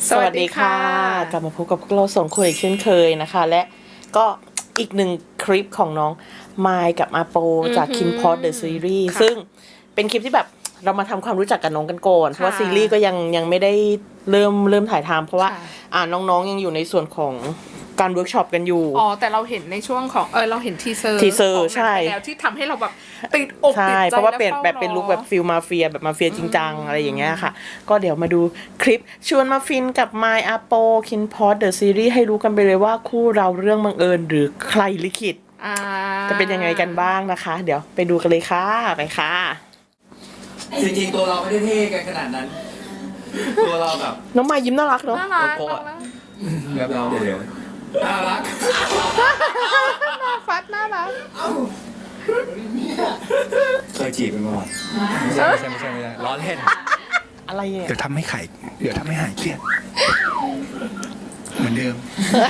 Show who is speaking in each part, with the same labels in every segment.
Speaker 1: สวัสดีค่ะกลับมาพบกับพวกเราสองคนอีกเช่นเคยนะคะและก็อีกหนึ่งคลิปของน้องมายกับอาโปจาก KinPod The Series ซึ่งเป็นคลิปที่แบบเรามาทำความรู้จักกับน้องกันก่อนเพราะว่าซีรีส์ก็ยังไม่ได้เริ่มถ่ายทำเพราะว่าน้องๆยังอยู่ในส่วนของการเวิร์กช็อปกันอยู่
Speaker 2: แต่เราเห็นในช่วงของเราเห็นทีเซอร์
Speaker 1: ใช่
Speaker 2: แล้วที่ทำให้เราแบบติดอกติดใจ
Speaker 1: เพราะว่าเป็นแบบเป็นลุคแบบฟิลมาเฟียแบบมาเฟียจริงจังอะไรอย่างเงี้ยค่ะก็เดี๋ยวมาดูคลิปชวนมาฟินกับ My Apo KinPod The Series ให้รู้กันไปเลยว่าคู่เราเรื่องบังเอิญหรือใครลิขิตจะเป็นยังไงกันบ้างนะคะเดี๋ยวไปดูกันเลยค่ะไปค่ะ
Speaker 3: จริงๆตัวเราไม่ได้เท่กันขนาดนั้นตัวเราแบบ
Speaker 1: น้องมายยิ้มน่ารักเนาะ
Speaker 2: น่ารัก
Speaker 3: แบบเราเดี๋ยวน่ารัก
Speaker 2: น่าฟัดน่ารัก
Speaker 3: เคยจีบกันมาก่อนไม่ใช่ล้อเล่น
Speaker 1: อะไรเนี่ย
Speaker 4: เดี๋ยวทำให้หายเครียดเหมือนเดิม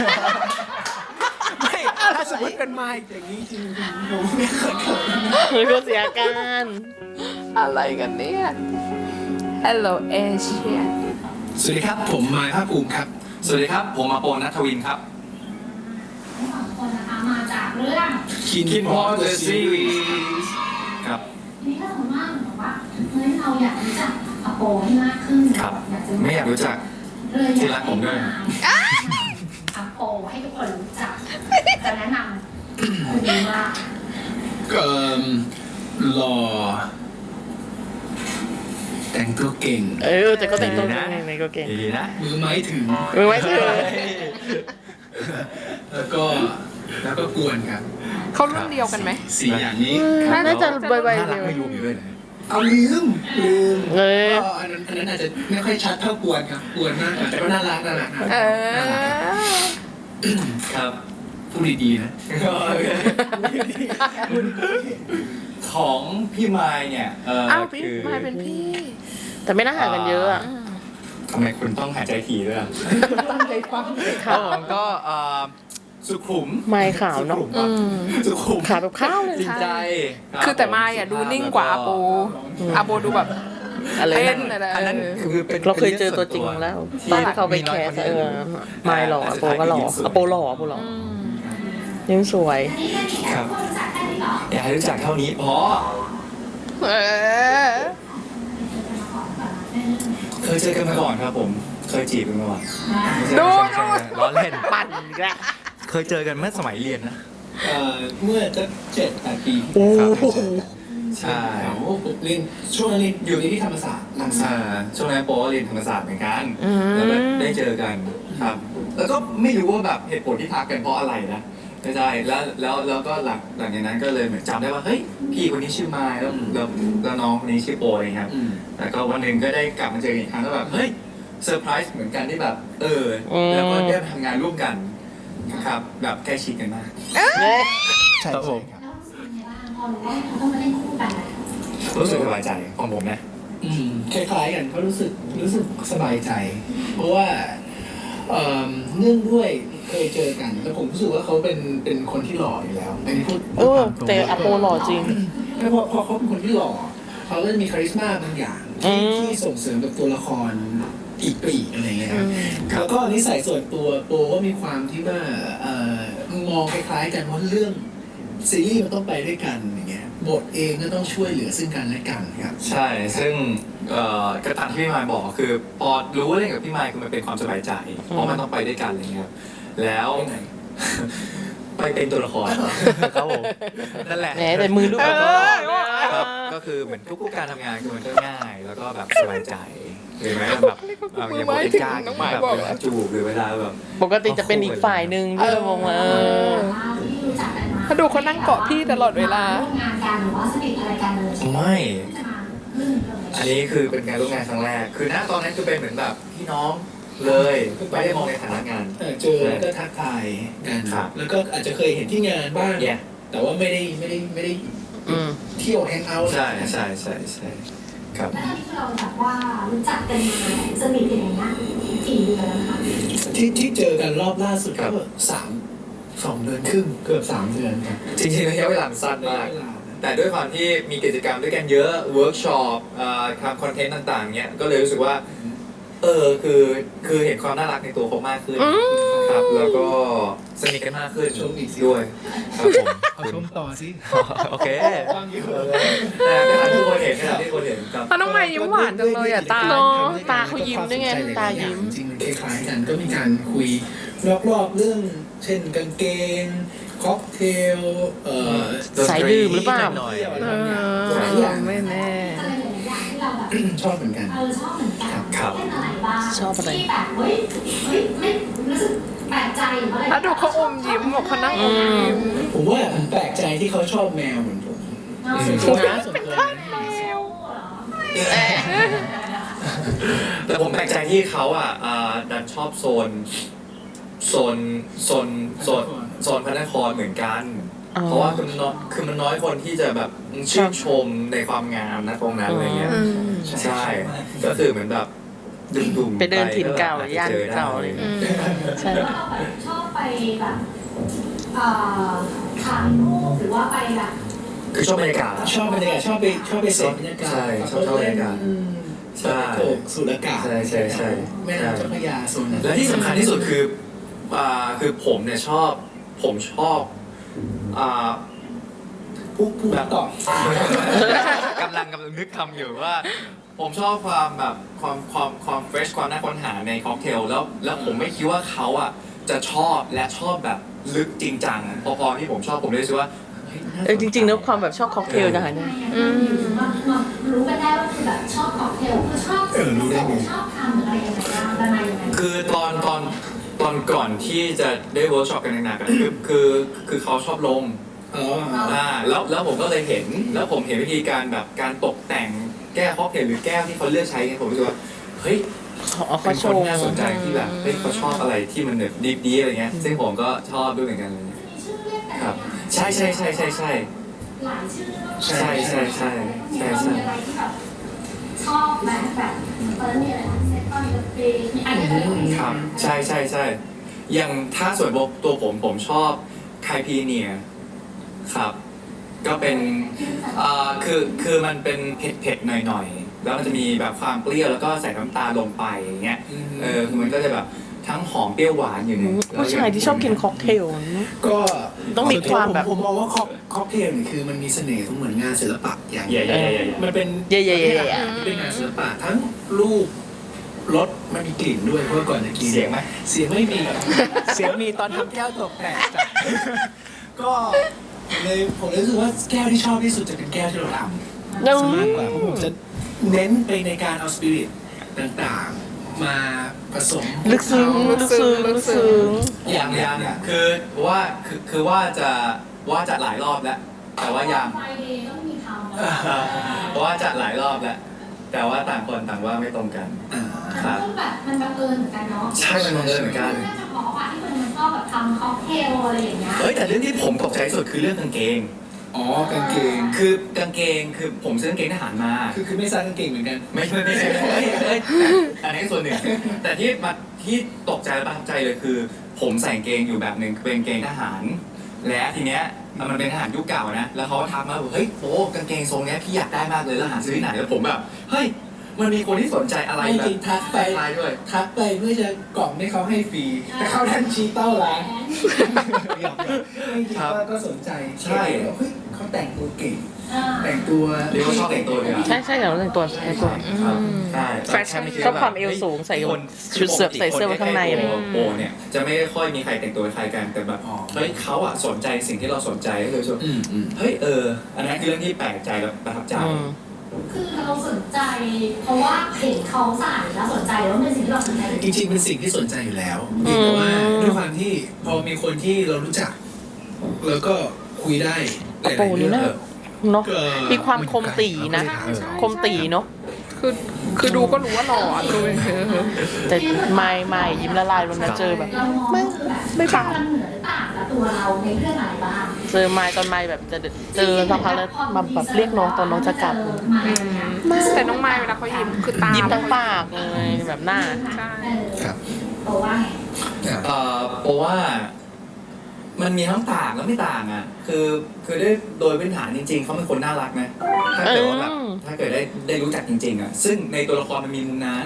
Speaker 3: ไม่ถ้าสมมติเป็นไม้อย่างนี้จริงๆผม
Speaker 1: ไม่เคยเสียอาการ
Speaker 2: อะไรกันเนี่ย Hello Asia
Speaker 4: สวัสดีครับผมมายภาคภูมิครับ
Speaker 3: สวัสดีครับผมอาโปณัฐวินครับ
Speaker 5: คนนะคะมาจากเรื่อง
Speaker 3: KinPod The Series ครับ
Speaker 5: ทีนี้ถ้าสมมติว่าเหมือนกับว่าเฮ้ยเราอยากรู้จักอาโปให้มากขึ้น
Speaker 3: ครับ
Speaker 5: อยากจะ
Speaker 3: ไม่อยากรู้จักที่รักผมด้วย
Speaker 5: อาโปให้ทุกคนรู้จักจะแนะนำคนนี้ว่า
Speaker 4: หล่อแต่งตัวเก่ง
Speaker 1: แต่ก็แต่งตัวเก่งในก็เก่ง
Speaker 3: ดีนะ
Speaker 4: มือไม้ถึงแล้วก็กวนครับ
Speaker 2: เขารุ่นเดียวกันไหม
Speaker 4: สี่อย่างนี้
Speaker 1: น่าจะใบๆ
Speaker 3: น่ารัก
Speaker 1: เดียว
Speaker 3: ไม่รวมอยู่ด้วยนะ
Speaker 4: เอาลืมอันนั้นอาจจะไม่ค่อยชัดเท่ากวนครับกวนมากแต่ก็น่ารัก
Speaker 3: ครับ
Speaker 4: พูดดีๆนะ
Speaker 3: ของพี่ไมายเนี่ย
Speaker 2: พี่มายเป็นพี่
Speaker 1: แต่ไม่น่าห่างกันเยอะอะ
Speaker 3: ทำไมคุณต้องหายใจถี่ด้วย
Speaker 2: ตั้งใจฟัง
Speaker 3: ผมก็สุขุม
Speaker 1: ไม่ขาวเนาะ
Speaker 3: สุขุม
Speaker 1: ขาวแบบข้าวเลย
Speaker 3: จริงใจ
Speaker 2: คือแต่มายดูนิ่งกว่าอาโปดูแบบ
Speaker 1: อะไร
Speaker 2: เล่นอะไร
Speaker 3: อันนั้นคือเป็น
Speaker 1: เราเคยเจอตัวจริงแล้วตอนที่เขาไปแคสไม่หล่ออาโปก็หล่ออาโปหล่อยังสวย
Speaker 3: ครับอยากให้รู้จักเท่านี้เพราะเคยเจอกันมาก่อนครับผมเคยจีบกันมาก่อน
Speaker 2: ดู
Speaker 3: ล้อเล่น
Speaker 1: ปั่นแกละ
Speaker 3: เคยเจอกันเมื่อสมัยเรียนนะ
Speaker 4: เมื่อจะ7-8 ปี
Speaker 3: ใช่
Speaker 4: ผมเรียนช่วงนี้อยู่ที่ธรรมศาสตร์
Speaker 3: ช่วงนั้นโปเรียนธรรมศาสตร์เหมือนกันแล้วก็ได้เจอกันครับแล้วก็ไม่รู้ว่าแบบเหตุผลที่ทักกันเพราะอะไรนะไม่ใช่แล้วก็หลังจากนั้นก็เลยเหมือนจำได้ว่าเฮ้ยพี่คนนี้ชื่อไมล์แล้วน้องคนนี้ชื่อโปยครับแล้วก็วันหนึ่งก็ได้กลับมาเจออีกครั้งแล้วแบบเฮ้ยเซอร์ไพรส์เหมือนกันที่แบบแล้วก็ได้ทำงานร่วมกันครับแบบใกล้ชิดกันมาก
Speaker 4: ใช่
Speaker 3: ครับผม
Speaker 5: พอรู้ว่าเขาต้องมาเล่นคู่กัน
Speaker 3: รู้สึกสบายใจของผมนะ
Speaker 4: คล้ายๆกันเขารู้สึกสบายใจเพราะว่าเนื่องด้วยเคยเจอกันแล้วผมรู้สึกว่าเขาเป็นคนที่หล่ออยู่แล้วอันนี้พูด
Speaker 1: แต่อาโปหล่อจริง
Speaker 4: พอเขาเป็นคนที่หล่อเขาก็จะมีคาริสมาบางอย่างที่ส่งเสริมกับตัวละครอีกปีอะไรเงี้ยแล้วก็นิสัยส่วนตัวโปก็มีความที่ว่ามองคล้ายๆกันว่าเรื่องซีรีส์มันต้องไปด้วยกันอย่างเงี้ยบทเองก็ต้องช่วยเหลือซึ่งกันและกันครับ
Speaker 3: ใช่ซึ่งกระตันที่พี่มายบอกคือพอรู้ว่าเล่นกับพี่มายคือมันเป็นความสบายใจเพราะมันต้องไปด้วยกันอะไรเงี้ยแล้วไปเป็นตัวละครครับผมนั่นแหละ
Speaker 1: แต่มือลูก
Speaker 3: ก็คือเหมือนทุกการทำงานคือมันก็ง่ายแล้วก็แบบสบายใจหรือแม้แบบอย่างบทการแบบเวลาจูบหรือเวลาแบบ
Speaker 1: ปกติจะเป็นอีกฝ่ายหนึ่งที่เรามองว่า
Speaker 2: ถ้าดูเขานั่งเกาะพี่ตลอดเวลา
Speaker 3: ไม่อันนี้คือเป็นการร่วมงานครั้งแรกคือณตอนนั้นคือเป็นเหมือนแบบพี่น้องเลยไม่ได้มองในฐานะงาน
Speaker 4: เจอแล้วก็ทักทายกันแล้วก็อาจจะเคยเห็นที่งานบ้างแต่ว่าไม่ได้เที่ยวแฮงเอาท์
Speaker 3: ใช่ครับ
Speaker 5: แล้วที่เราแบบว่ารู้จักกันมาสนิทกันอย่างเงี้ยกี่เดือนแล้วคะ
Speaker 4: ที่เจอกันรอบล่าสุดก็2 เดือนครึ่งเกือบ3 เดือนครับ
Speaker 3: จริงๆระยะเวลาสั้นมากแต่ด้วยความที่มีกิจกรรมด้วยกันเยอะเวิร์กช็อปทำคอนเทนต์ต่างๆเนี้ยก็เลยรู้สึกว่าคือเห็นความน่ารักในตัวเขามากขึ้นครับแล้วก็สนิทกันมากขึ้น
Speaker 4: ชมอีกสิ
Speaker 3: ด้วยครับผม
Speaker 4: เอาชมต่อสิ
Speaker 3: โอเค
Speaker 4: ฟังอยู่
Speaker 3: แต่ทุกคนเห็นนะครับที่คนเห็นครับ
Speaker 2: เพราะน้องไมค์ยิ้มหวานจังเลยอ่ะตา
Speaker 1: เนอะ ตาเขายิ้มด้วยไงตายิ้ม
Speaker 4: จริงๆมันคล้ายๆกันก็มีการคุยรอบๆเรื่อง เช่นกางเกงค็อกเทล
Speaker 1: สายดื่มหรือเปล่า
Speaker 3: หน่อย
Speaker 4: เที่ยวอะไร
Speaker 2: เอบ
Speaker 4: างอย่าง
Speaker 2: อไม่แน่
Speaker 5: อะไรหลายๆอย่างที่เราแบบ
Speaker 4: ชอบเหมือนกัน
Speaker 5: ชอบเหมือนกัน
Speaker 3: ครับ
Speaker 5: เล่นอะไรบ้าง
Speaker 1: ชอบอะไร
Speaker 5: ที่แบบเฮ้ยไม่รู้สึกแปลกใจหรืออะไร
Speaker 2: แล้วดูเขาอมยิ้มบอกเขานั่งอมยิ้ม
Speaker 4: ผมว่าผมแปลกใจที่เขาชอบแมวเหมือนผม
Speaker 5: เนาะ
Speaker 4: ส่วนตัวนะส่วนตัวนะ
Speaker 3: แต่ผมแปลกใจที่เขาดันชอบโซนพระนครเหมือนกัน
Speaker 1: อ๋อ
Speaker 3: เพราะว่าคือมันน้อยคนที่จะแบบชื่นชมในความงามนะตรงนั้นอะไรเงี้ย ใช่ ก็คือเหมือนแบบดุ่มๆ
Speaker 1: ไปเดินถิ่นเก่า
Speaker 3: ก็อจจะ
Speaker 1: ย่าน
Speaker 3: จอได้
Speaker 1: เก่าอะไรอย่างเงี้ย ใช่
Speaker 5: แล้วเราแบบชอบไปแบบถ่ายรูปหรือว่าไปแบบ
Speaker 3: คือชอบบรรยากาศ
Speaker 4: ชอบบรรยากาศชอบไปเสพบรรยากาศ
Speaker 3: ใช่ชอบบรรยากาศ ใช่
Speaker 4: โขกสุรากาศ
Speaker 3: ใช่
Speaker 4: แม่น้ำเจ้าพระยาโซนนั้น
Speaker 3: และที่สำคัญที่สุดคือผมเนี่ยชอบ
Speaker 4: ผู้แบบต่อก
Speaker 3: ำลังนึกคำอยู่ว่า ผมชอบความแบบความเฟรชความน่าค้นหาในค็อกเทลแล้วผมไม่คิดว่าเขาจะชอบและชอบแบบลึกจริงจังพอที่ผมชอบผมเลยรู้สึกว่าเฮ้ยน่าสนใจ
Speaker 1: จริงๆแล้วความแบบชอบค็อกเทลนะคะเนี่ย
Speaker 5: มารู้กันได้ว่าคือแบบชอบค็อกเทลคือชอบชอบทำหรืออะไรยังไงบ้างอะไรยังไง
Speaker 3: คือตอนก่อนที่จะได้เวิร์กช็อปกันหนักๆอะคือเขาชอบลม
Speaker 4: อ๋อ
Speaker 3: แล้วผมก็เลยเห็นแล้วผมเห็นวิธีการแบบการตกแต่งแก้วค็อกเทลหรือแก้วที่เขาเลือกใช้ไงผมรู้สึกว่าเฮ้ย
Speaker 1: เขา
Speaker 3: เป็น
Speaker 1: โช
Speaker 3: คน
Speaker 1: ว์
Speaker 3: น่าสนใจที่แบบเฮ้ยเขาชอบอะไรที่มันแบบดีๆอะไรเงี้ยซึ่งผมก็ชอบด้วยเหมือนกันเลย
Speaker 5: มีชื่อเรียกแต่
Speaker 3: ครับ
Speaker 5: ละอย่าง
Speaker 3: ใช่
Speaker 5: หลายชื่อ
Speaker 3: ใช่
Speaker 5: มีอะไรที่แบบชอบแบบตอนนั้นมีอะไรนะเซ็ตตอนเดอะเฟย์มีอะไรอะไรอย่างเงี้ย
Speaker 3: ครับใช่อย่างถ้าส่วนตัวผมชอบไคพีเนียครับก็เป็นคือมันเป็นเผ็ดหน่อยๆแล้วมันจะมีแบบความเปรี้ยวแล้วก็ใส่น้ำตาลลงไปอย่างเงี้ยคือมันก็จะแบบทั้งหอมเปรี้ยวหวานอยู่ใน
Speaker 1: ผู้ชายที่ชอบกินค็อกเทล
Speaker 4: ก็
Speaker 1: ต้องมีความแบบ
Speaker 4: ผมมองว่าค็อกเทลเนี่ยคือมันมีเสน่ห์ของเหมือนงานศิลปะอย่าง
Speaker 3: ใหญ่ๆ
Speaker 4: มันเป็น
Speaker 1: เย่ๆๆ
Speaker 4: ประเภทอาหารที่เป็นงานศิลปะทั้งรูปรสมันมีกลิ่นด้วยเพราะว่าก่อนจะกิน
Speaker 3: เสียงไหม
Speaker 4: เสียงไม่มี เสียงมีตอนทำแก้วตกแต่งจ้ะก็ผมรู้สึกว่าแก้วที่ชอบที่สุดจะเป็นแก้วที่เราทำ
Speaker 1: แล้ว
Speaker 4: ซะมากกว่าเพราะผมจะเน้นไปในการเอาสปิริตต่างๆ มาผสม
Speaker 1: ลึกซึ้ง
Speaker 3: ยังคือว่าจะหลายรอบแล้ว แต่ว่ายัง
Speaker 5: ไฟเดย์ต้องมีทำ
Speaker 3: เพราะว่าจะหลายรอบแล้ว แต่ว่าต่างคนต่างว่าไม่ตรงกัน
Speaker 5: แต่ก็แบบมันบังเอิญเหมือนกันเนาะ
Speaker 3: ใช่มันบังเอิญเหมือนกัน
Speaker 5: น่าจะเพราะว่าที่มันชอบแบบทำค็อกเทลอะไรอย่างเงี้ย
Speaker 3: เฮ้ยแต่เรื่องที่ผมตกใจสุดคือเรื่องกางเกง
Speaker 4: อ๋อกางเกง
Speaker 3: คือกางเกงคือผมซื้อกางเกงทหารมา
Speaker 4: คือไม่ใส่กางเกงเหมือนกัน
Speaker 3: ไม่ใช่อันนี้ส่วนหนึ่งแต่ที่ตกใจและประทับใจเลยคือ ผมใส่กางเกงอยู่แบบหนึ่งเป็นกางเกงทหาร และทีเนี้ยมันเป็นทหารยุคเก่านะแล้วเขาก็ทักมาบอกเฮ้ยโอ้กางเกงทรงเนี้ยพี่อยากได้มากเลยแล้วหาซื้อที่ไหนแล้วผมแบบเฮ้ยมันมีคนที่สนใจอะไร
Speaker 4: ไม่
Speaker 3: แบ
Speaker 4: จริ
Speaker 3: บ
Speaker 4: งทักไป
Speaker 3: ลายด้วย
Speaker 4: ทักไปเพื่อจะกล่องให้เขาให้ฟรีแต่เขาดันชี้เต้าร้านหยอกๆไม่คิดว่าก็สนใจ
Speaker 3: ใช่
Speaker 4: เฮ้ยเขาแต่งตัวเก่ง
Speaker 5: อ่า
Speaker 4: แต่งตัว
Speaker 3: เรียกว่าชอบแต่งตัวเลยอะ
Speaker 1: ใช่อย่างเราแต่งตัวใช่
Speaker 3: ใช่
Speaker 2: แฟชั่น
Speaker 1: ชอบความเอวสูงใส่ชุดเสื้อใส่เสื้อไว้ข้างในอะไรอย่างเงี้ย
Speaker 3: โปเนี่ยจะไม่ค่อยมีใครแต่งตัวคล้ายกันแต่แบบเฮ้ยเขาสนใจสิ่งที่เราสนใจก็เลยรู้สึก เฮ้ยอันนั้นคือเรื่องที่แปลกใจและประทับใจ
Speaker 5: คือเราสนใจ เพราะว่าเห็นเขาใส่แล้วสนใจแล้วมันเป็นสิ่งที่เราสนใจ
Speaker 4: จริงๆเป็นสิ่งที่สนใจอยู่แล้วเพียงแต่ว่าด้วยความที่พอมีคนที่เรารู้จัก แล้วก็คุยได้หลาย
Speaker 1: โป
Speaker 4: ๆ
Speaker 1: นี่
Speaker 4: เรื่อง
Speaker 1: นะเนาะมีความคมตีนะคมตีเนาะ
Speaker 2: คือดูก็รู้ว่าหล่ออะดู
Speaker 1: แต่ไม่ยิ้มละลายวันนั้นเจอแบบ
Speaker 5: เรามองว่าคือแบบ
Speaker 1: ไม่ปาก
Speaker 5: มันเหมือนหรือต่างกับตัวเราในเรื่องอะไรบ้าง
Speaker 1: เจอตอนแบบจะเจอสักพักแล้วมาแบบเรียกน้องตอนน้องจะกลับ
Speaker 2: แต่น้องไม้เวลาเขายิ้มคือตา
Speaker 1: ยิ้
Speaker 2: ยิ้
Speaker 1: มทั้งปากเลยแบบหน้า
Speaker 2: ใช่
Speaker 4: ครับ
Speaker 5: เพราะว่าไง
Speaker 3: เพราะว่ามันมีทั้งต่างและไม่ต่างอ่ะคือโดยพื้นฐานจริงๆเขาเป็นคนน่ารักนะถ้าเกิดว่าแบบถ้าเกิดได้รู้จักจริงๆอ่ะซึ่งในตัวละครมันมีมุมนั้น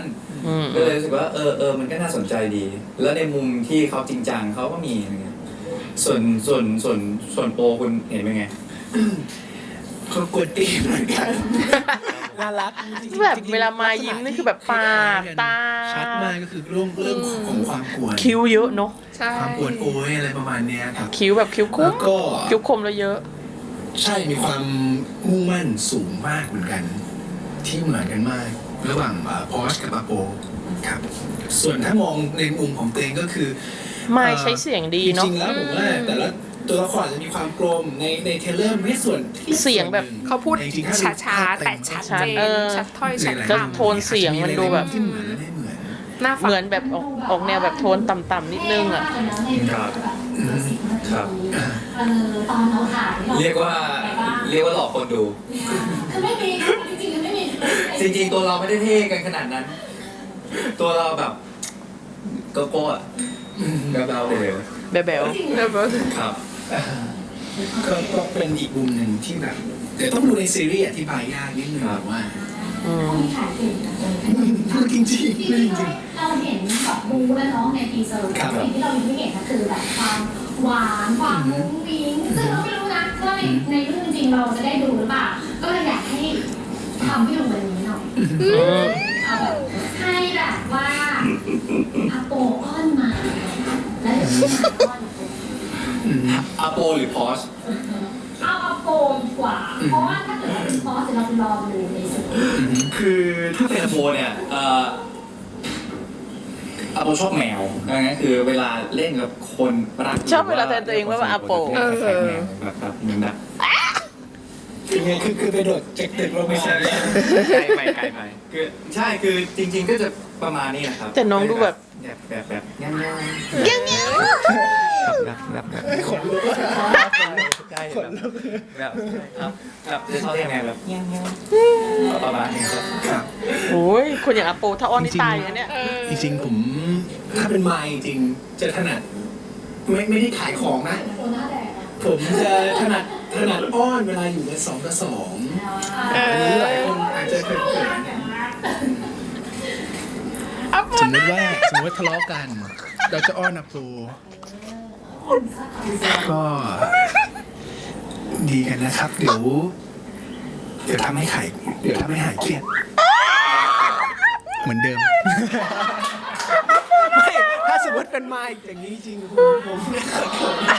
Speaker 3: ก็เลยรู้สึกว่ามันก็น่าสนใจดี แล้วในมุมที่เขาจริงจังเขาก็มีอะไรเงี้ยส่วนโปรคุณเห็นเป็นไง
Speaker 4: เขากดตีเหมือนกันน่ารัก
Speaker 1: แบบเวลามายิ้มนี่คือแบบปากตา
Speaker 4: ชัดมากก็คือเรื่องของความกวน
Speaker 1: คิ้วเยอะเนาะ
Speaker 2: ใช่
Speaker 4: ความกวนโอ้ยอะไรประมาณเนี้ยครับ
Speaker 1: คิ้วแบบคิ้วค
Speaker 4: แล้
Speaker 1: ม
Speaker 4: วก็
Speaker 1: คิ้วคมแล้วเยอะ
Speaker 4: ใช่มีความมุ่งมั่นสูงมากเหมือนกัน ที่เหมือนกันมาก ระหว่างพอชกับอาโปครับ ส่วนถ้ามองในมุมของเตงก็คือ
Speaker 1: ไม่ใช้เสียงดีเนาะ
Speaker 4: จริงๆแล้วผมว่าแต่ละตัวละครจะมีความกลมในเทรลเลอร์ไม่ส่วน
Speaker 1: เสียงแบบ
Speaker 2: เขาพูด
Speaker 4: จริงๆถ้
Speaker 2: ช้าๆแต่ชัดเจน
Speaker 1: เออ
Speaker 2: ชัดถ้อยชัด
Speaker 1: ก็
Speaker 2: คำ
Speaker 1: โทนเสียงมันดูแบบ
Speaker 4: ที่เหมือนและไม่เหมือน
Speaker 2: น่าฟัง
Speaker 1: เหมือนแบบออกแนวแบบโทนต่ำๆนิดนึงอ่ะ
Speaker 3: ครับครับ
Speaker 5: ตอนเราถ่าย
Speaker 3: เรียกว่าหลอกคนดู
Speaker 5: คือไม่มีจริงๆไม่มี
Speaker 3: จริงๆตัวเราไม่ได้เท่กันขนาดนั้น ตัวเราแบบโกโก้อะแบบเราเลย
Speaker 1: แบว
Speaker 3: ครับ
Speaker 4: ก็เป็นอีกมุมหนึ่งที่แบบเดี๋ยวต้องดูในซีรีส์อธิบายยากนิดนึงว่า
Speaker 1: ๆอืม
Speaker 5: ถ่ายเก่งนะ
Speaker 4: พูดจริง
Speaker 5: ที่
Speaker 4: ๆพูดจริง
Speaker 5: เราเห็นแบบบูและน้องในทีเซอร์สิ่งที่เราไม่เห็นก็คือแบบความหวานความมุ้งมิ้งซึ่งเราไม่รู้นะว่าในเรื่องจริงเราจะได้ดูหรือเปล่าก็เลยอยากให้ทำให้ดูแบบนี้หน่อยเอาแบบให้แบบว่าอาโปอ้อนมาแล้วเดี๋ยวพี่มาอ้อนอาโป
Speaker 3: อาโปหรือพอช
Speaker 5: เอาอาโปดีกว่าเพราะว่าถ้าเกิดว่าเป็นพอสเดี๋ยวเราไปรอดูในสตู
Speaker 3: คือถ้าเป็นอาโปเนี่ยอาโปชอบแมวดังนั้นคือเวลาเล่นกับคนรัก
Speaker 1: ชอบเวลาแทนตัวเองว่าอาโป
Speaker 3: คล้ายๆแมวแบบเหมือนแบบ
Speaker 4: ๆคือไงคือไปโดดจากตึกลงไป
Speaker 3: ไม่
Speaker 4: ใช่
Speaker 3: ใช่ไกลไปคือใช่คือจริงๆก็จะประมาณนี้นะครับ
Speaker 1: แต่น้องดูแบบ
Speaker 3: แบบย่างแบบ
Speaker 4: ขนลุก
Speaker 3: ใช่แบบจะชอบยังไงแบบประมาณนี้ครับ
Speaker 4: ครับ
Speaker 1: โอ้ยคนอย่างอาโปถ้าอ้อนนี่ตายเลยเนี่ย
Speaker 4: จริงๆผมถ้าเป็นไมค์จริงจะถนัดไม่ได้ขายของนะ
Speaker 5: โปหน้าแดง
Speaker 4: ผมจะถนัดอ้อนเวลาอยู่กัน2 ต่อ 2อันนี้หลายคนอาจจะเคยเห็นสมมติว่าทะเลาะกัน เราจะอ้อนอาโปก็ดีกันนะครับ เดี๋ยวทำให้หายเครียดเหมือนเดิม ไม่ถ้าสมมติเป็นไมค์อย่างนี้จริงผมไม่เคย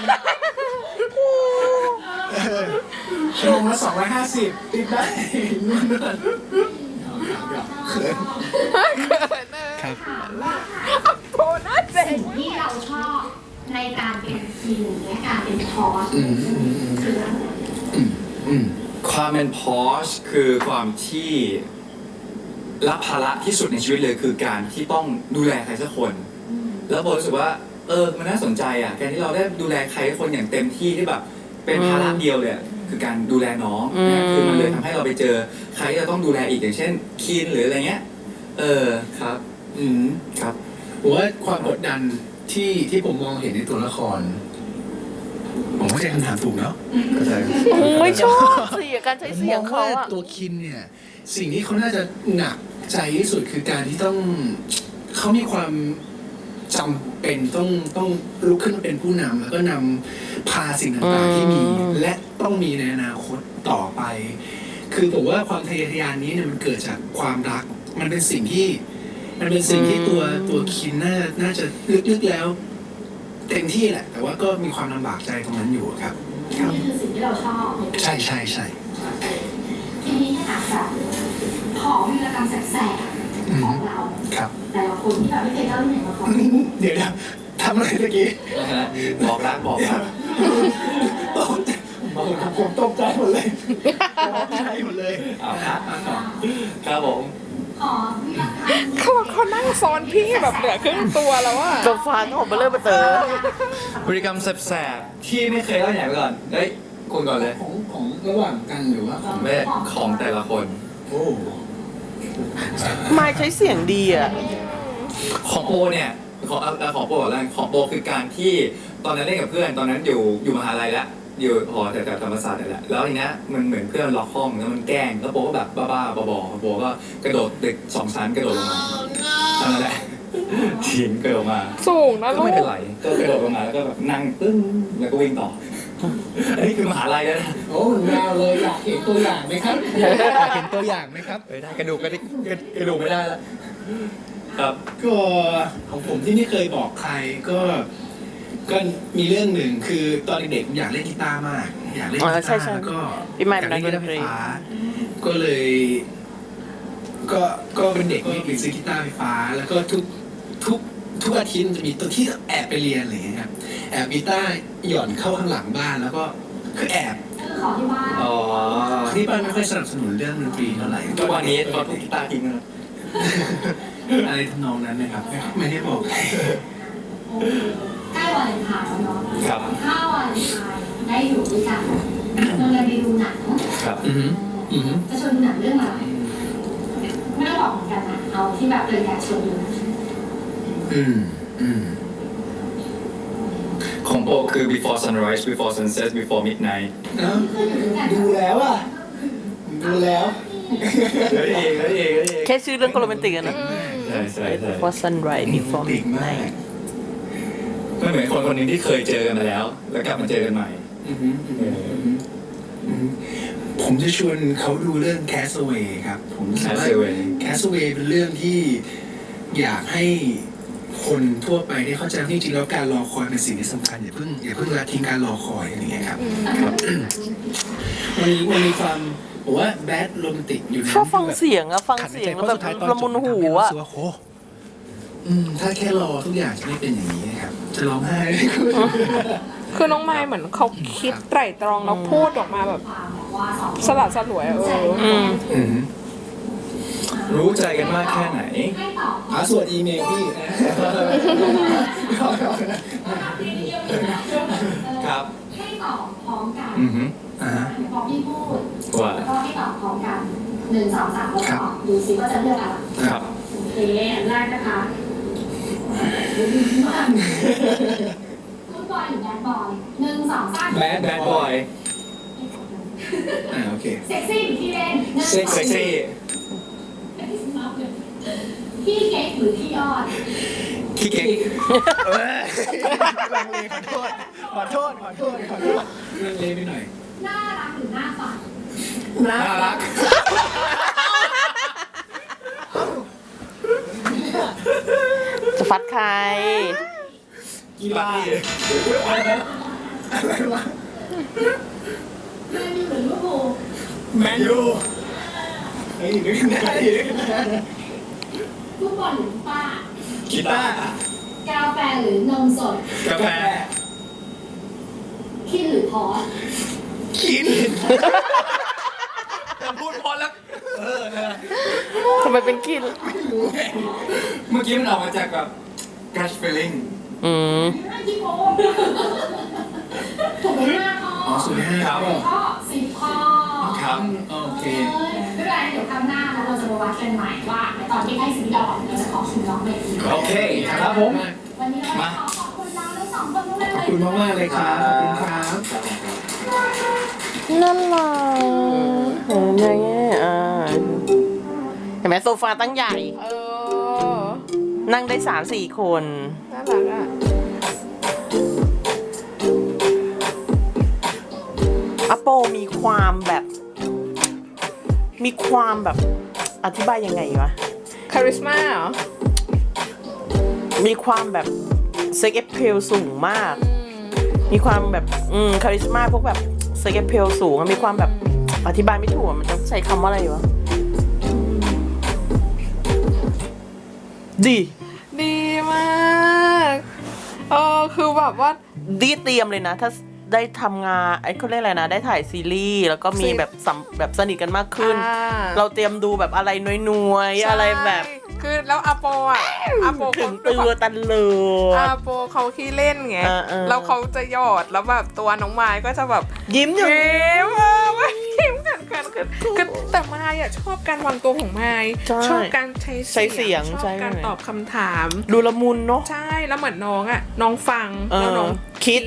Speaker 4: ชั่วโมงละ250ติดได้นู่นนั่นเขินครับ
Speaker 2: โปน่าเจ๋ง
Speaker 5: สิ่งที่เราชอบในการเป็นทีมและการเป็นพอสคืออะไร
Speaker 3: ความเป็นพอชคือความที่รับภาระที่สุดในชีวิตเลยคือการที่ต้องดูแลใครสักคน แล้วโบรู้สึกว่ามันน่าสนใจอ่ะการที่เราได้ดูแลใครสักคนอย่างเต็มที่ที่แบบเป็นภาระเดียวเลยอะคือการดูแลน้องนะคือมันเลยทำให้เราไปเจอใครที่เราต้องดูแลอีกอย่างเช่นคีนหรืออะไรเงี้ยครับครับ
Speaker 4: ผมว่าความกดดันที่ผมมองเห็นในตัวละคร ผมเข้าใจคำถามถูกเนาะ
Speaker 3: เข้าใจ
Speaker 1: โอ้ยชอบเสียงการใช้
Speaker 4: ผม
Speaker 1: เสี
Speaker 4: ม
Speaker 1: ย
Speaker 4: อง ง
Speaker 1: เขา
Speaker 4: ว่า
Speaker 1: อะ
Speaker 4: ตัวคินเนี่ย สิ่งที่เขาน่าจะหนักใจที่สุดคือการที่เขามีความจำเป็นต้องลุกขึ้นมาเป็นผู้นำแล้วก็นำพาสิ่งต่างๆที่มี และต้องมีในอนาคตต่อไป คือผมว่าความทะเยอทะยานนี้เนี่ยมันเกิดจากความรัก มันเป็นสิ่งที่ตัวคินน่าจะลึกๆแล้ว เต็มที่แหละ แต่ว่าก็มีความลำบากใจตรงนั้นอยู่ครับ
Speaker 5: นี่คือสิ่งที่เราชอบ
Speaker 4: ใช่ใช่ใช่
Speaker 5: ทีนี้ถ้าอาจจะขอวีรกรรมแสบๆของเรา
Speaker 4: ครับ
Speaker 5: แต่ละคนที่แบบไม่เคยเล่าที่ไหนมาก่อน
Speaker 4: เดี๋ยวทำอะไรตะกี้
Speaker 3: บอกรัก
Speaker 4: ผมตกใจหมดเลยตกใจหมดเลย
Speaker 3: เอาครับครับผม
Speaker 5: ขอวีรกรรม
Speaker 2: เขานั่งซ้อนพี่แบบเหลือครึ่งตัวแล้วอะ
Speaker 1: ตัวฟ้าก็ของเบลเลอร์เบเตอร์
Speaker 3: พฤติกรรมแสบๆที่ไม่เคยเล่าไหนไปก่อนเฮ้ยคุณก่อนเลย
Speaker 4: ของระหว่างกันหรือว่าของ
Speaker 3: แม่ของแต่ละคน
Speaker 4: โอ้
Speaker 1: ไม่ใช้เสียงดีอะ
Speaker 3: ของโปเนี่ยของโปก่อนแล้วกันของโปคือการที่ตอนนั้นเล่นกับเพื่อนตอนนั้นอยู่มหาลัยแล้วอยู่หอแถวธรรมศาสตร์นี่แหละแล้วทีเนี้ยมันเหมือนเพื่อนล็อกห้องแล้วมันแกล้งแล้วโปก็แบบบ้าๆบอๆโปก็กระโดดตึก2 ชั้นกระโดดลงมาเท่านั้นแหละทิ้งกระโดดมา
Speaker 2: สูงนะ
Speaker 3: ก็
Speaker 2: ลู
Speaker 3: ไม่
Speaker 2: ก
Speaker 3: เป็นไรก็กระโดดลงมาแล้วก็แบบนั่งปึ้งแล้วก็วิ่งต่ออันนี้คือมหาลัยแล้วนะ
Speaker 4: โอ้ยาวเลยอยากเห็นตัวอย่างไหมครับอยากเห็นตัวอย่างไหมครับ
Speaker 3: ได้กระดูกไม่ได้แล้วครับ
Speaker 4: ก็ของผมที่ไม่เคยบอกใครก็มีเรื่องหนึ่งคือตอนเด็กๆอยากเล่นกีตาร์มาก อยากเล่นกีตาร์แล้วก็
Speaker 1: พี่ไมค์
Speaker 4: อยาก
Speaker 1: เป็นนั
Speaker 4: เล่
Speaker 1: ก
Speaker 4: น
Speaker 1: ด
Speaker 4: กี
Speaker 1: น
Speaker 4: ตาร์ไฟ
Speaker 1: ตรี
Speaker 4: ฟ้าก็เลยก็เป็นเด็กไม่มีซื้อกีตาร์ไฟฟ้า แล้วก็ทุกอาทิตย์จะมีตัวที่แอบไปเรียนอะไรอย่างเงี้ยครับแอบกีตาร์หย่อนเข้าข้างหลังบ้านแล้วก็คือแอบ
Speaker 5: ก็คือขอที่บ้าน
Speaker 3: อ๋อ
Speaker 4: ที่บ้านไม่ค่อยสนับสนุนเรื่องดนตรีเท่าไหร่
Speaker 3: ทุกวันนี้ตอนทุกกีตาร์ทิ้งแล้ว
Speaker 4: อะไรทำนองนั้นนะครับไม่ได้บอกใคร
Speaker 5: ใกล้วาเลนไทน์แล้วเนาะ
Speaker 3: ครับ
Speaker 5: ถ้าวาเลนไทน์ได้อยู่ด้วยกันเราจะไปดูหนัง
Speaker 3: ครับ
Speaker 5: จะชวนดูหนังเรื่องอะไรไม่ต้องบอกเหมือนกันนะเอาที่แบบเลยอยากชวนดูนะ
Speaker 3: ของโปคือ before sunrise before sunset before midnight
Speaker 4: ดูแล้วอ่ะดูแล้ว
Speaker 3: เฮ้ยเฮ้ยเฮ้ย
Speaker 1: แค่ชื่อเรื่องก็โรแมนติกอะนะ
Speaker 3: ใช่ใช่ใช่
Speaker 1: Before sunrise before
Speaker 4: ติดมาก
Speaker 1: midnight
Speaker 3: มันเหมือนคนคนหนึ่งที่เคยเจอกันมาแล้ว แล้วกลับมาเจอกันใหม่
Speaker 4: ผมจะชวนเขาดูเรื่อง Castaway ครับ ผมรู้สึกว่า
Speaker 3: Castaway
Speaker 4: Castaway เป็นเรื่องที่อยากให้คนทั่วไปได้เข้าใจว่าจริงๆแล้วการรอคอยเป็นสิ่งที่สำคัญอย่าเพิ่งละทิ้งการรอคอยอะไรอย่างเงี้ยครับมันมีความผมว่าแบดโรแมนติกอยู่ใน
Speaker 1: ชอบฟังเสียงอะฟังเสียงแล้วแบบละมุนหูอะ
Speaker 4: ถ้าแค่รอทุกอย่างจะไม่เป็นอย่างนี้นะครับ จะร้องไห้
Speaker 2: คือน้องไมค์เหมือนเขาคิดไตร่ตรองแล้วพูดออกมาแบบ
Speaker 5: ความบอกว่าสอง
Speaker 2: สลัดสลวยอะ
Speaker 3: รู้ใจกันมากแค่ไหน
Speaker 5: ให้ตอบ
Speaker 4: ส่วนอีเมลพี่
Speaker 3: ครับ
Speaker 5: ให้ตอบพร้อมกัน พอพี่พูด
Speaker 3: ว่า
Speaker 5: แล้วก็ให้ตอบพร้อมกัน1 2 3แล้วตอบดูซิว่าจะเลือกอะไร
Speaker 3: ครับ
Speaker 5: โอเคอันแรกนะคะคุณบอยหรือแบดบอย1 2 3
Speaker 3: แบดบอย
Speaker 4: โอเค
Speaker 5: เซ็กซี่หรือที่เล่น
Speaker 3: เซ็กซี่
Speaker 5: พี่เก๊กหรือพี่ยอด
Speaker 3: ขี้เก๊ก
Speaker 4: ลังเลขอโทษลังเลไปหน่อย
Speaker 5: น่ารักหรือหน้าฝัน
Speaker 3: น่ารัก
Speaker 1: จะฟัดใคร
Speaker 4: กีฬา
Speaker 5: แมนยูหรือลิเวอร์พูล
Speaker 3: แมนยู
Speaker 4: เฮ้ยนึกได้
Speaker 5: ฟุตบอลหรือป้า
Speaker 3: กีตาร์
Speaker 5: กาแฟหรือนมสด
Speaker 3: กาแฟ
Speaker 5: คิดหรือพอส
Speaker 4: กิน
Speaker 3: แต่พูดพอแล้ว
Speaker 1: ทำไมเป็นกิน
Speaker 3: เมื่อกี้มันออกมาจากแบบ gush feeling
Speaker 5: ไม่ที่โกงถูกไหม5 ข้อ
Speaker 4: สุดท้ายครับ
Speaker 5: ข้อ10 ข้อ
Speaker 3: ครับ
Speaker 4: โอเค
Speaker 5: ไม่เป็นไรเดี๋ยวครั้งหน้าแล้วเราจะมาวัดกันใหม่ว่าตอนที่ให้ซื้อดอกเราจะขอชิมน้องเบบี
Speaker 3: โอเค ครับผม
Speaker 5: วันนี้เราขอขอบคุณเราทั้งสองคนมากๆ
Speaker 4: ขอบ
Speaker 5: เลย
Speaker 4: คุณมากๆเลยครับขอบคุณครับ
Speaker 1: นั่นล่ะเห็นไหมเห็นไหมโซฟาตั้งใหญ่ นั่งได้3-4 คน
Speaker 2: น่ารักอ่ะ
Speaker 1: อโปมีความแบบ อธิบายยังไงวะ
Speaker 2: คาริสมาเหรอ
Speaker 1: มีความแบบเซ็กเอฟเพลสูงมาก มีความแบบคาริสมาพวกแบบเซ็กเอฟเพลสูงมีความแบบอธิบายไม่ถูกมันจะใช้คำว่าอะไรวะดี
Speaker 2: ดีมากคือแบบว่า
Speaker 1: ดีเตรียมเลยนะ ถ้าได้ทำงานไอ้เขาเรียกอะไรนะ ได้ถ่ายซีรีส์แล้วก็มีแบบแบบสนิทกันมากขึ้น เราเตรียมดูแบบอะไรน้อยๆอะไรแบบ
Speaker 2: คือแล้วอาโป
Speaker 1: ถึ
Speaker 2: เขา
Speaker 1: งตัวตันเลย
Speaker 2: อาโปเขาขี้เล่นไง แล้วเขาจะหยอดแล้วแบบตัวน้องไม้ก็จะแบบ
Speaker 1: ยิ้มอยู่
Speaker 2: ยิ้มกันแต่ไม้อะชอบการวางตัวของไม้
Speaker 1: ใช่
Speaker 2: ชอบการใช้
Speaker 1: ใช้เสียง
Speaker 2: ชอบการตอบคำถาม
Speaker 1: ดูละมุนเนาะ
Speaker 2: ใช่แล้วเหมือนน้องอะน้องฟังแล้วน้อง
Speaker 1: คิด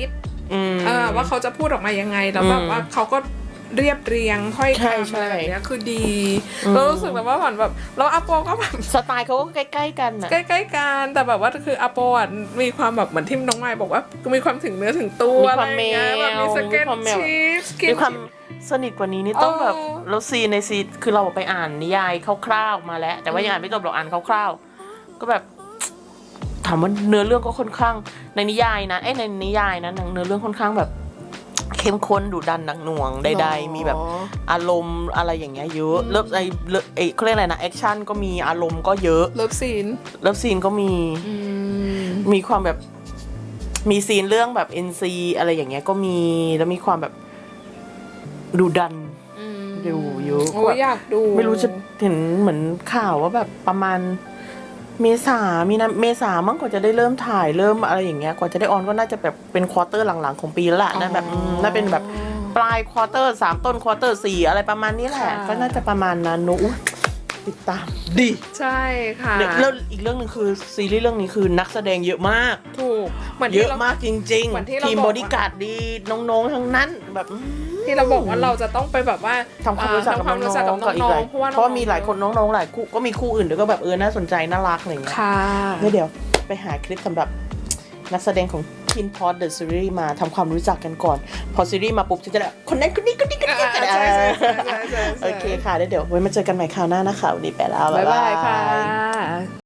Speaker 2: ว่าเขาจะพูดออกมายังไงแล้วแบบว่าเขาก็เรียบเรียงค่อย
Speaker 1: ใช่
Speaker 2: คำ
Speaker 1: ใช่
Speaker 2: อะไรแบบเนี้ยคือดีเรารู้สึกแบบว่าเหมือนแบบแล้วอาโปก็แบบ
Speaker 1: สไตล์เขาก็ใกล้ๆกันอะ
Speaker 2: ใกล้ๆกันแต่แบบว่าคืออาโปอ่ะมีความแบบเหมือนที่น้องไม้บอกว่ามีความถึงเนื้อถึงตัว
Speaker 1: มี
Speaker 2: อะ
Speaker 1: ค
Speaker 2: ไร
Speaker 1: วาม
Speaker 2: อย่างเงี้ยแบบมีสเก็ต
Speaker 1: มีความแมว
Speaker 2: ชีฟสกิน
Speaker 1: มีความสนิทกว่านี้นี่ต้องแบบ
Speaker 2: เออ
Speaker 1: แล้วซีนในซีนคือเราไปอ่านนิยายคร่าวๆมาแล้ว แต่ว่ายังอ่านไม่จบเราอ่านคร่าวๆก็แบบ ถามว่าเนื้อเรื่องก็ค่อนข้างในนิยายนะในนิยายนะเนื้อเรื่องค่อนข้างแบบ เข้มข้นดุดันหนักหน่วงใดๆมีแบบอารมณ์อะไรอย่างเงี้ยเยอะเลิฟเขาเรียกอะไรนะแอคชั่นก็มีอารมณ์ก็เยอะ
Speaker 2: เลิฟซีน
Speaker 1: เลิฟซีนก็มีความแบบมีซีนเรื่องแบบ NC อะไรอย่างเงี้ยก็มีแล้วมีความแบบดุดันดูเยอะ
Speaker 2: โอ้ยอยากดู
Speaker 1: ไม่รู้จะเห็นเหมือนข่าวว่าแบบประมาณเมษามั้งกว่าจะได้เริ่มถ่ายเริ่มอะไรอย่างเงี้ยกว่าจะได้ออนก็น่าจะแบบเป็นควอเตอร์หลังๆของปีแล้วล่ะนะแบบน่าเป็นแบบปลายควอเตอร์3ต้นควอเตอร์4อะไรประมาณนี้แหละก็น่าจะประมาณนั้นนุติดตามดี
Speaker 2: ใช่ค่ะ
Speaker 1: แล้วอีกเรื่องหนึ่งคือซีรีส์เรื่องนี้คือนักแสดงเยอะมาก
Speaker 2: ถูกเหมือน
Speaker 1: เย
Speaker 2: ที่
Speaker 1: อะ
Speaker 2: เรา
Speaker 1: มากจริง
Speaker 2: เหมือนที่เรา
Speaker 1: ทีม
Speaker 2: บอก
Speaker 1: บอดี้การ์ดดีน้องๆทั้งนั้นแบบ
Speaker 2: ที่เราบอกว่าเราจะต้องไปแบบว่า
Speaker 1: ทำความรู้จักกับ
Speaker 2: ทำความรู้จักกับ
Speaker 1: น้องๆ
Speaker 2: น้องๆเพราะว่า
Speaker 1: เพราะว่ามีหลายคนน้องๆหลายคู่ก็มีคู่อื่นด้วยก็แบบน่าสนใจน่ารักอะไรอย่างเงี้ย
Speaker 2: ค่ะ
Speaker 1: เดี๋ยวไปหาคลิปสำหรับนักแสดงของ Teen Pod The Series มาทำความรู้จักกันก่อน พอซีรีส์มาปุ๊บจะได้คนนั้นคนนี้คนนี้คนนี้
Speaker 2: ใช่ใช่ใช่ใช่ใช่
Speaker 1: โอเคค่ะเดี๋ยวไว้มาเจอกันใหม่คราวหน้านะคะวันนี้ไปแล้ว
Speaker 2: บ๊ายบายค่ะ